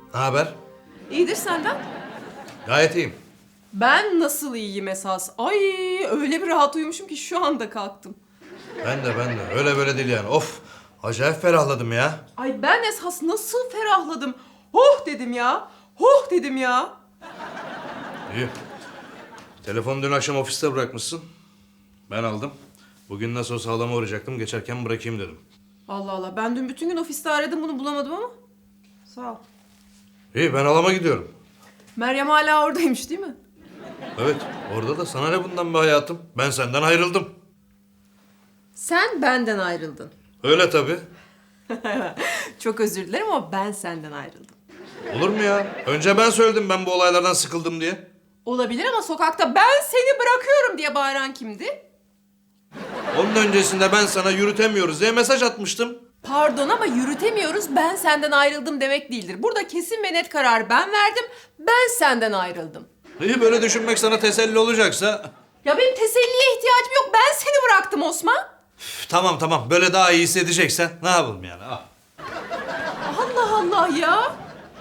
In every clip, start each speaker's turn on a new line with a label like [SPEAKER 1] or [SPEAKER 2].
[SPEAKER 1] Ne haber?
[SPEAKER 2] İyidir senden.
[SPEAKER 1] Gayet iyiyim.
[SPEAKER 2] Ben nasıl iyiyim esas? Ay öyle bir rahat uyumuşum ki şu anda kalktım.
[SPEAKER 1] Ben de. Öyle böyle değil yani. Of! Acayip ferahladım ya.
[SPEAKER 2] Ay ben esas nasıl ferahladım. Oh dedim ya. Oh dedim ya.
[SPEAKER 1] İyi. Telefonu dün akşam ofiste bırakmışsın. Ben aldım. Bugün nasıl olsa halama uğrayacaktım. Geçerken bırakayım dedim.
[SPEAKER 2] Allah Allah ben dün bütün gün ofiste aradım bunu bulamadım ama. Sağ ol.
[SPEAKER 1] İyi, ben halama gidiyorum.
[SPEAKER 2] Meryem hala oradaymış değil mi?
[SPEAKER 1] Evet, orada da sana ne bundan be hayatım? Ben senden ayrıldım.
[SPEAKER 2] Sen benden ayrıldın.
[SPEAKER 1] Öyle tabii.
[SPEAKER 2] Çok özür dilerim ama ben senden ayrıldım.
[SPEAKER 1] Olur mu ya? Önce ben söyledim ben bu olaylardan sıkıldım diye.
[SPEAKER 2] Olabilir ama sokakta ben seni bırakıyorum diye bağıran kimdi?
[SPEAKER 1] Onun öncesinde ben sana yürütemiyoruz diye mesaj atmıştım.
[SPEAKER 2] Pardon ama yürütemiyoruz ben senden ayrıldım demek değildir. Burada kesin ve net karar ben verdim. Ben senden ayrıldım.
[SPEAKER 1] İyi, böyle düşünmek sana teselli olacaksa.
[SPEAKER 2] Ya benim teselliye ihtiyacım yok. Ben seni bıraktım Osman.
[SPEAKER 1] Tamam, böyle daha iyi hissedeceksen ne yapalım yani? Ah.
[SPEAKER 2] Allah Allah ya.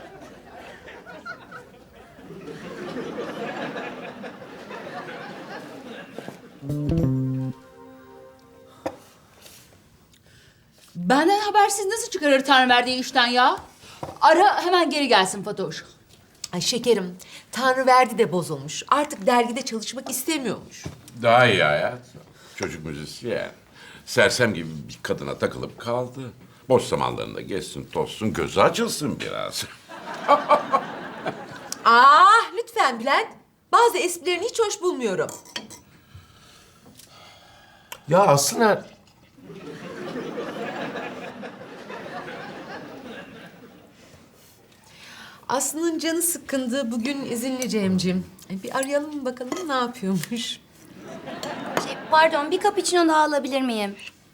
[SPEAKER 3] Benden habersiz nasıl çıkarır Tanrı verdiği işten ya? Ara hemen geri gelsin Fatoş.
[SPEAKER 4] Ay şekerim, Tanrıverdi de bozulmuş. Artık dergide çalışmak istemiyormuş.
[SPEAKER 5] Daha iyi hayat. Çocuk müzisyen. Sersem gibi bir kadına takılıp kaldı. Boş zamanlarında gezsin, tozsun, gözü açılsın biraz.
[SPEAKER 4] Lütfen Bülent. Bazı esprilerini hiç hoş bulmuyorum.
[SPEAKER 6] Ya aslında
[SPEAKER 4] Aslı'nın canı sıkkındı. Bugün izinli Cemcim. Bir arayalım mı bakalım ne yapıyormuş?
[SPEAKER 7] Pardon, bir cappuccino daha alabilir miyim?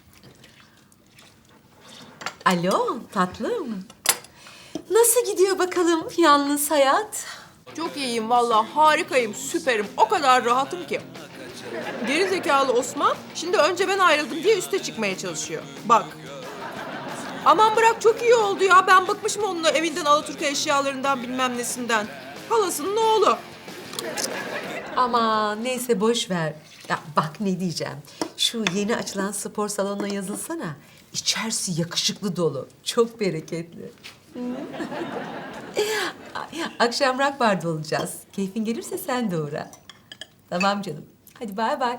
[SPEAKER 4] Alo tatlım. Nasıl gidiyor bakalım yalnız hayat?
[SPEAKER 2] Çok iyiyim vallahi harikayım süperim. O kadar rahatım ki. Geri zekalı Osman şimdi önce ben ayrıldım diye üste çıkmaya çalışıyor. Bak. Aman bırak çok iyi oldu ya. Ben bıkmışım onunla evinden Alaturka eşyalarından bilmem nesinden. Halasının oğlu.
[SPEAKER 4] Ama neyse boş ver. Ya bak ne diyeceğim. Şu yeni açılan spor salonuna yazılsana. İçerisi yakışıklı dolu. Çok bereketli. Akşam rock barda olacağız. Keyfin gelirse sen de uğra. Tamam canım. Hadi bay bay.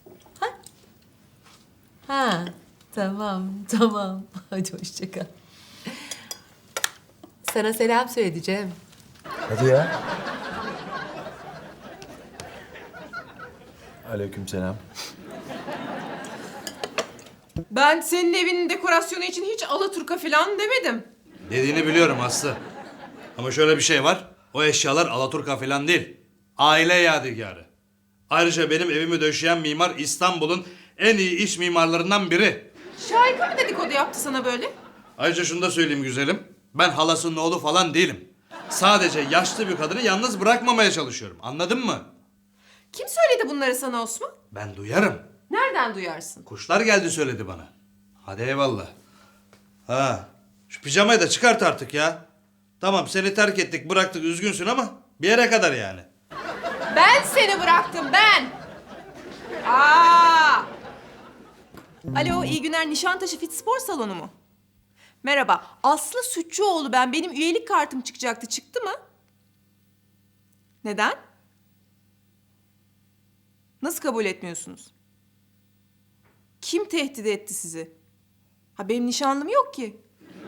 [SPEAKER 4] Ha, tamam. Hadi hoşça kal. Sana selam söyleyeceğim.
[SPEAKER 6] hadi ya. Aleykümselam.
[SPEAKER 2] Ben senin evinin dekorasyonu için hiç Alaturka falan demedim.
[SPEAKER 1] Dediğini biliyorum Aslı. Ama şöyle bir şey var. O eşyalar Alaturka falan değil. Aile yadigarı. Ayrıca benim evimi döşeyen mimar İstanbul'un en iyi iç mimarlarından biri.
[SPEAKER 2] Şahika mı dedikodu yaptı sana böyle?
[SPEAKER 1] Ayrıca şunu da söyleyeyim güzelim. Ben halasının oğlu falan değilim. Sadece yaşlı bir kadını yalnız bırakmamaya çalışıyorum. Anladın mı?
[SPEAKER 2] Kim söyledi bunları sana Osman?
[SPEAKER 1] Ben duyarım.
[SPEAKER 2] Nereden duyarsın?
[SPEAKER 1] Kuşlar geldi söyledi bana. Hadi eyvallah. Ha, şu pijamayı da çıkart artık ya. Tamam seni terk ettik bıraktık üzgünsün ama bir yere kadar yani.
[SPEAKER 2] Ben seni bıraktım ben. Aa! Alo iyi günler Nişantaşı Fit Spor Salonu mu? Merhaba Aslı Sütçüoğlu ben. Benim üyelik kartım çıkacaktı. Çıktı mı? Neden? Nasıl kabul etmiyorsunuz? Kim tehdit etti sizi? Ha benim nişanlım yok ki.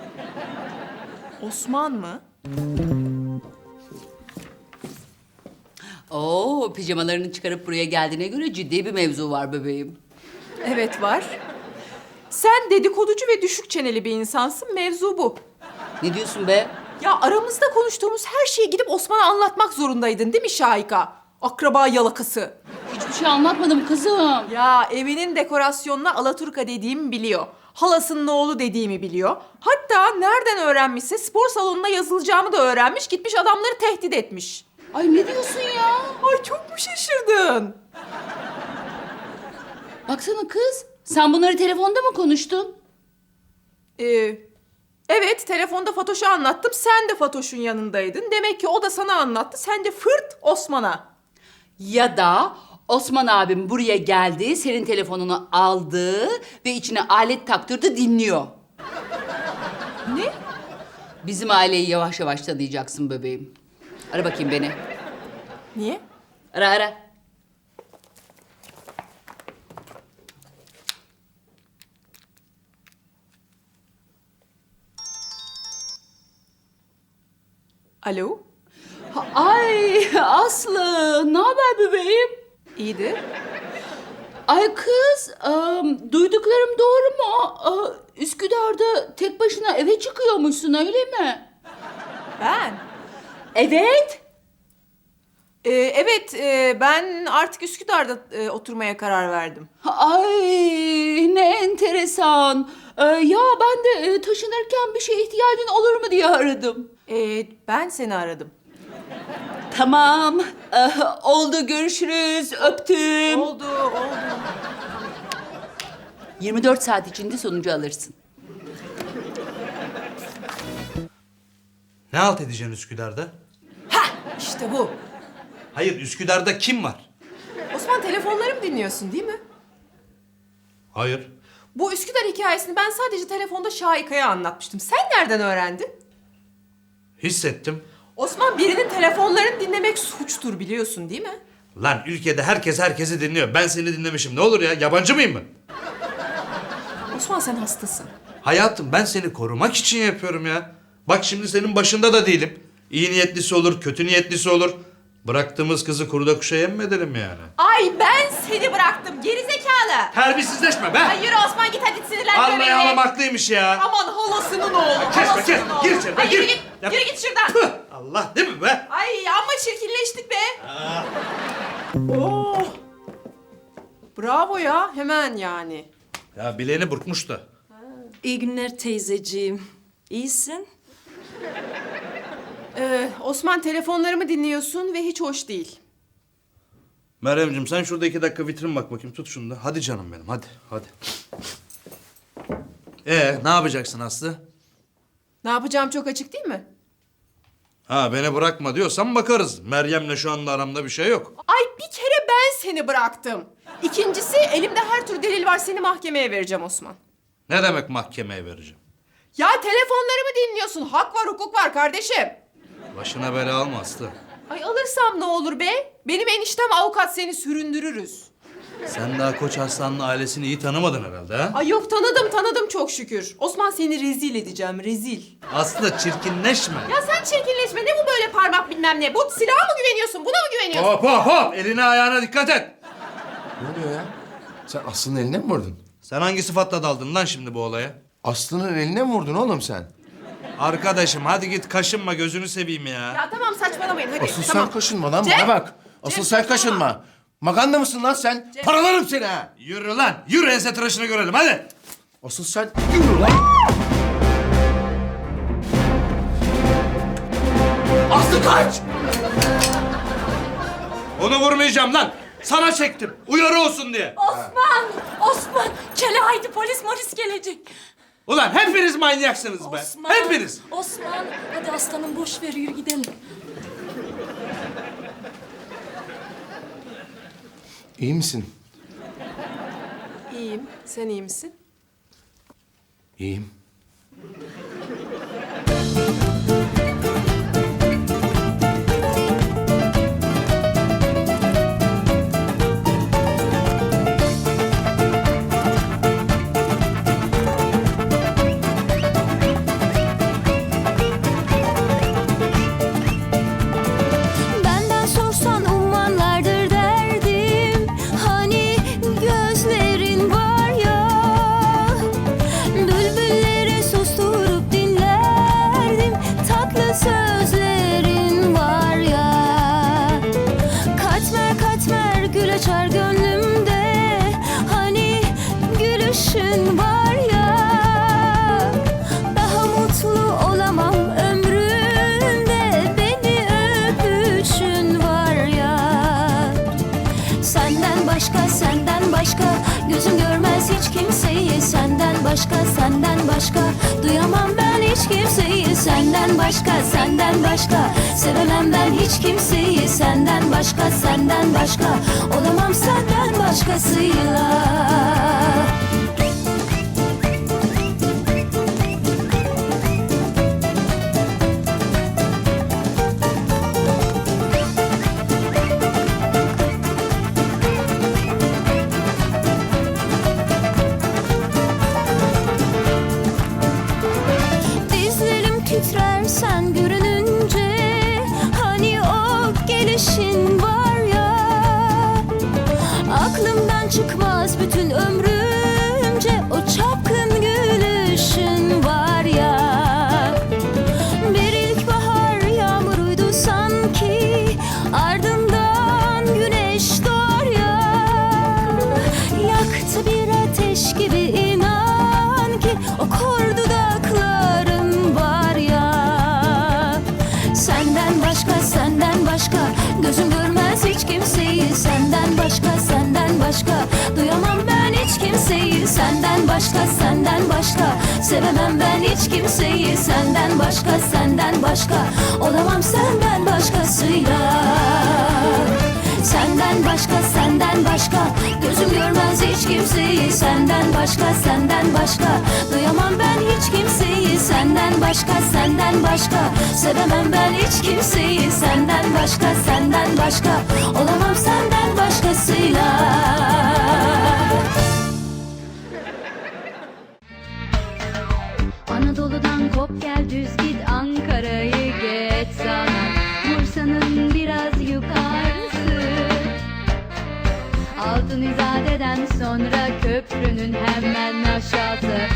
[SPEAKER 2] Osman mı?
[SPEAKER 3] Oo, pijamalarını çıkarıp buraya geldiğine göre ciddi bir mevzu var bebeğim.
[SPEAKER 2] Evet var. Sen dedikoducu ve düşük çeneli bir insansın. Mevzu bu.
[SPEAKER 3] Ne diyorsun be?
[SPEAKER 2] Ya aramızda konuştuğumuz her şeyi gidip Osman'a anlatmak zorundaydın değil mi Şahika? Akraba yalakası.
[SPEAKER 3] Hiçbir şey anlatmadım kızım.
[SPEAKER 2] Ya evinin dekorasyonuna Alaturka dediğimi biliyor. Halasının oğlu dediğimi biliyor. Hatta nereden öğrenmişse spor salonuna yazılacağımı da öğrenmiş. Gitmiş adamları tehdit etmiş.
[SPEAKER 3] Ay ne diyorsun ya?
[SPEAKER 2] Ay çok mu şaşırdın?
[SPEAKER 3] Baksana kız. Sen bunları telefonda mı konuştun?
[SPEAKER 2] Ee, Evet, telefonda Fatoş'a anlattım. Sen de Fatoş'un yanındaydın. Demek ki o da sana anlattı. Sen de fırt Osman'a.
[SPEAKER 3] Ya da Osman abim buraya geldi, senin telefonunu aldı ve içine alet taktırdı, dinliyor.
[SPEAKER 2] Ne?
[SPEAKER 3] Bizim aileyi yavaş yavaş tanıyacaksın bebeğim. Ara bakayım beni.
[SPEAKER 2] Niye?
[SPEAKER 3] Ara ara.
[SPEAKER 2] Alo?
[SPEAKER 3] Ay Aslı, ne haber bebeğim?
[SPEAKER 2] İyidir.
[SPEAKER 3] Ay kız, duyduklarım doğru mu? Üsküdar'da tek başına eve çıkıyormuşsun, öyle mi?
[SPEAKER 2] Ben?
[SPEAKER 3] Evet.
[SPEAKER 2] Evet, ben artık Üsküdar'da oturmaya karar verdim.
[SPEAKER 3] Ay ne enteresan. Ya ben de taşınırken bir şeye ihtiyacın olur mu diye aradım.
[SPEAKER 2] Ben seni aradım.
[SPEAKER 3] Tamam. Oldu, görüşürüz. Öptüm.
[SPEAKER 2] Oldu.
[SPEAKER 3] 24 saat içinde sonucu alırsın.
[SPEAKER 1] Ne halt edeceksin Üsküdar'da?
[SPEAKER 2] İşte bu.
[SPEAKER 1] Hayır, Üsküdar'da kim var?
[SPEAKER 2] Osman, telefonlarımı dinliyorsun değil mi?
[SPEAKER 1] Hayır.
[SPEAKER 2] Bu Üsküdar hikayesini ben sadece telefonda Şahika'ya anlatmıştım. Sen nereden öğrendin?
[SPEAKER 1] Hissettim.
[SPEAKER 2] Osman, birinin telefonlarını dinlemek suçtur, biliyorsun değil mi?
[SPEAKER 1] Lan ülkede herkes herkesi dinliyor. Ben seni dinlemişim. Ne olur ya? Yabancı mıyım ben?
[SPEAKER 2] Osman, sen hastasın.
[SPEAKER 1] Hayatım, ben seni korumak için yapıyorum ya. Bak şimdi senin başında da değilim. İyi niyetlisi olur, kötü niyetlisi olur. Bıraktığımız kızı kuruda kuşa yem mi edelim yani?
[SPEAKER 2] Ay, ben seni bıraktım gerizekalı.
[SPEAKER 1] Terbiyesizleşme be!
[SPEAKER 2] Ay yürü Osman, git hadi, sinirlendirme
[SPEAKER 1] Almaya
[SPEAKER 2] beni.
[SPEAKER 1] alamak ya.
[SPEAKER 2] Aman halasının oğlu.
[SPEAKER 1] Kesme,
[SPEAKER 2] halasının
[SPEAKER 1] kes.
[SPEAKER 2] oğlu.
[SPEAKER 1] Gir içeri,
[SPEAKER 2] Ay,
[SPEAKER 1] gir.
[SPEAKER 2] yürü git,
[SPEAKER 1] Yap.
[SPEAKER 2] yürü git şuradan.
[SPEAKER 1] Püh! Allah değil mi be?
[SPEAKER 2] Ay amma çirkinleştik be. Oh. Bravo ya, hemen yani.
[SPEAKER 1] Ya bileğini burkmuş da.
[SPEAKER 8] İyi günler teyzeciğim. İyisin?
[SPEAKER 2] Osman, telefonlarımı dinliyorsun ve hiç hoş değil.
[SPEAKER 1] Meryemciğim, sen şurada 2 dakika vitrin bak bakayım. Tut şunu da. Hadi canım benim, hadi. Ne yapacaksın Aslı?
[SPEAKER 2] Ne yapacağım çok açık değil mi?
[SPEAKER 1] Ha, beni bırakma diyorsan bakarız. Meryem'le şu anda aramda bir şey yok.
[SPEAKER 2] Ay, bir kere ben seni bıraktım. İkincisi, elimde her tür delil var, seni mahkemeye vereceğim Osman.
[SPEAKER 1] Ne demek mahkemeye vereceğim?
[SPEAKER 2] Ya telefonlarımı dinliyorsun, hak var hukuk var kardeşim.
[SPEAKER 1] Başına bela alma Aslı.
[SPEAKER 2] Ay, alırsam ne olur be? Benim eniştem avukat, seni süründürürüz.
[SPEAKER 1] Sen daha Koç Arslan'ın ailesini iyi tanımadın herhalde ha?
[SPEAKER 2] Ay yok, tanıdım çok şükür. Osman, seni rezil edeceğim, rezil.
[SPEAKER 1] Aslı, çirkinleşme.
[SPEAKER 2] Ya sen çirkinleşme, ne bu böyle parmak bilmem ne? Bu silaha mı güveniyorsun, buna mı güveniyorsun?
[SPEAKER 1] Hop! Eline ayağına dikkat et.
[SPEAKER 6] Ne oluyor ya? Sen Aslı'nın eline mi vurdun?
[SPEAKER 1] Sen hangi sıfatla daldın lan şimdi bu olaya?
[SPEAKER 6] Aslı'nın eline mi vurdun oğlum sen?
[SPEAKER 1] Arkadaşım hadi git, kaşınma, gözünü seveyim ya.
[SPEAKER 2] Ya tamam, saçmalamayın hadi.
[SPEAKER 6] Asıl
[SPEAKER 2] tamam.
[SPEAKER 6] sen kaşınma lan,
[SPEAKER 2] Cem!
[SPEAKER 6] bana bak. Asıl
[SPEAKER 2] Cem,
[SPEAKER 6] sen
[SPEAKER 2] saçmalama.
[SPEAKER 6] kaşınma. Maganda mısın lan sen?
[SPEAKER 2] Cem.
[SPEAKER 6] Paralarım seni ha.
[SPEAKER 1] Yürü lan, yürü, ense tıraşını görelim hadi.
[SPEAKER 6] Asıl sen yürü lan. Aslı kaç!
[SPEAKER 1] Onu vurmayacağım lan. Sana çektim, uyarı olsun diye.
[SPEAKER 8] Osman! Kele haydi polis gelecek.
[SPEAKER 1] Ulan hepiniz manyaksınız be. Hepiniz.
[SPEAKER 8] Osman! Hadi aslanım boş ver yürü gidelim.
[SPEAKER 6] İyi misin?
[SPEAKER 2] İyiyim, sen iyi misin?
[SPEAKER 6] İyiyim.
[SPEAKER 7] Benden sorsan ummanlardır derdim. Hani gözlerin var ya, bülbülleri susturup dinlerdim. Tatlı sözlerin var ya, katmer katmer gül açar gönlümde. Hani gülüşün var ya, daha mutlu olamam ömrümde. Beni öpüşün var ya, senden başka gözüm görmez hiç kimseyi. Senden başka duyamam ben hiç hiç kimseyi senden başka, senden başka. Sevemem ben hiç kimseyi senden başka, senden başka. Olamam senden başkasıyla. Dizlerim titrer sen görününce, hani o gelişin var ya. Aklımdan çıkmaz bütün ömrümce o çapkın gülüşün var ya. Bir ilkbahar yağmuruydu sanki, ardından güneş doğar ya. Yaktı bir ateş gibi inan ki o kor dudakların var ya. Senden başka, senden başka, gözüm görmez hiç kimseyi senden başka, senden başka. Duyamam ben hiç kimseyi senden başka, senden başka. Sevemem ben hiç kimseyi senden başka, senden başka. Olamam senden başkasıyla. Senden başka, senden başka, gözüm görmez hiç kimseyi senden başka, senden başka. Duyamam ben hiç kimseyi senden başka, senden başka. Sevemem ben hiç kimseyi senden başka, senden başka. Olamam senden başkasıyla.
[SPEAKER 9] Anadolu'dan kop gel düz git, Ankara'yı geç sana, Bursa'nın biraz yukarısı. Altın İzade'den sonra köprünün hemen aşağısı.